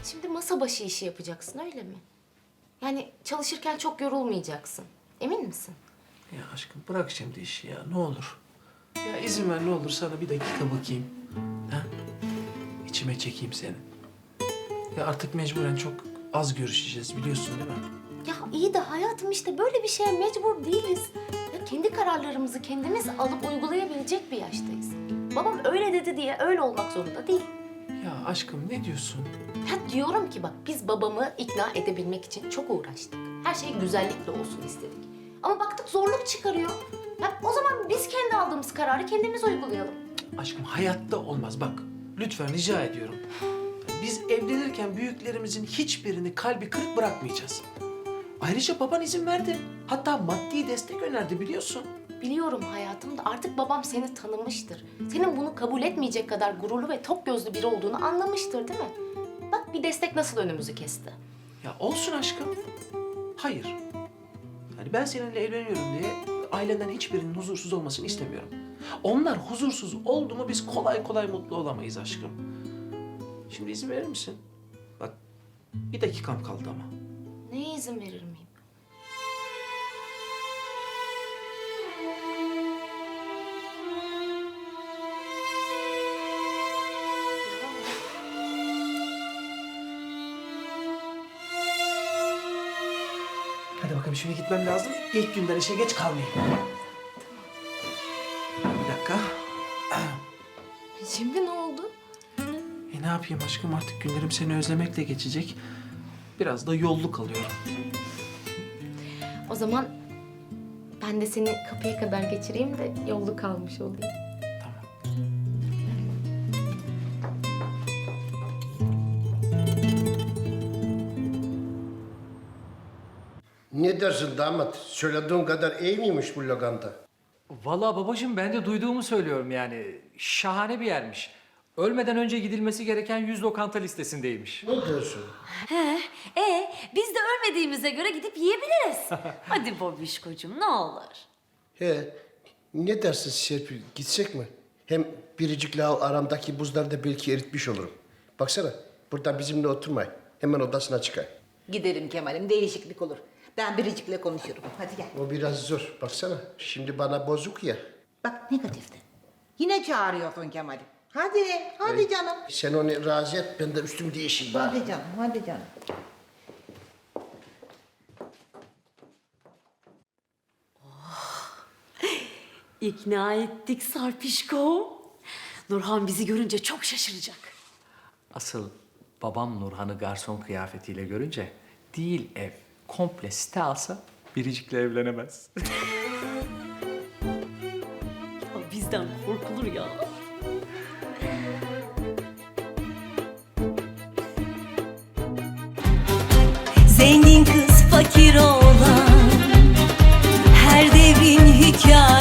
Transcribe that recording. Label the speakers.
Speaker 1: Şimdi masa başı işi yapacaksın öyle mi? Yani çalışırken çok yorulmayacaksın. Emin misin?
Speaker 2: Ya aşkım bırak şimdi işi ya ne olur. Ya izin ver ne olur sana bir dakika bakayım. Ha? İçime çekeyim seni. Ya artık mecburen çok az görüşeceğiz biliyorsun değil mi?
Speaker 1: Ya iyi de hayatım işte böyle bir şeye mecbur değiliz. Ya kendi kararlarımızı kendimiz alıp uygulayabilecek bir yaştayız. Babam öyle dedi diye öyle olmak zorunda değil.
Speaker 2: Ya aşkım ne diyorsun?
Speaker 1: Ya diyorum ki bak biz babamı ikna edebilmek için çok uğraştık. Her şey güzellikle olsun istedik. Ama baktık zorluk çıkarıyor. Ya o zaman biz kendi aldığımız kararı kendimiz uygulayalım.
Speaker 2: Aşkım hayatta olmaz bak. Lütfen rica ediyorum. Biz evlenirken büyüklerimizin hiçbirini kalbi kırık bırakmayacağız. Ayrıca baban izin verdi. Hatta maddi destek önerdi biliyorsun.
Speaker 1: Biliyorum hayatım da artık babam seni tanımıştır. Senin bunu kabul etmeyecek kadar gururlu ve tok gözlü biri olduğunu anlamıştır değil mi? Bak bir destek nasıl önümüzü kesti.
Speaker 2: Ya olsun aşkım. Hayır. Yani ben seninle evleniyorum diye ailenden hiçbirinin huzursuz olmasını istemiyorum. Onlar huzursuz oldu mu biz kolay kolay mutlu olamayız aşkım. Şimdi izin verir misin? Bak bir dakikam kaldı ama.
Speaker 1: Neye izin verir miyim?
Speaker 2: Hadi bakalım şimdi gitmem lazım. İlk günden işe geç kalmayayım. Bir dakika.
Speaker 1: Şimdi ne oldu?
Speaker 2: Ne yapayım aşkım artık günlerim seni özlemekle geçecek. Biraz da yolluk alıyorum.
Speaker 1: O zaman ben de seni kapıya kadar geçireyim de yollu kalmış olayım.
Speaker 2: Tamam.
Speaker 3: Ne dersin damat? Söylediğin kadar iyi miymiş bu lokanta?
Speaker 4: Vallahi babacığım ben de duyduğumu söylüyorum yani. Şahane bir yermiş. Ölmeden önce gidilmesi gereken 100 lokanta listesindeymiş.
Speaker 3: Ne diyorsun?
Speaker 5: Biz de ölmediğimize göre gidip yiyebiliriz. Hadi Bobişkocuğum ne olur.
Speaker 3: He, ne dersin Serpil? Gitsek mi? Hem biricik lav aramdaki buzları da belki eritmiş olurum. Baksana, burada bizimle oturmay. Hemen odasına çıkay.
Speaker 6: Gidelim Kemal'im, değişiklik olur. Ben Biricik'le konuşurum. Hadi gel.
Speaker 3: O biraz zor. Baksana, şimdi bana bozuk ya.
Speaker 6: Bak negatifte. Yine çağırıyorsun Kemal'im. Hadi canım.
Speaker 3: Sen onu razı et, ben de üstümü değişeyim bari.
Speaker 6: Hadi canım.
Speaker 5: İkna ettik Sarpişko. Nurhan bizi görünce çok şaşıracak.
Speaker 4: Asıl babam Nurhan'ı garson kıyafetiyle görünce değil ev, komple site alsa Biricik'le evlenemez.
Speaker 5: Ya bizden korkulur ya.
Speaker 7: Zengin kız fakir olan her devrin hikayesi.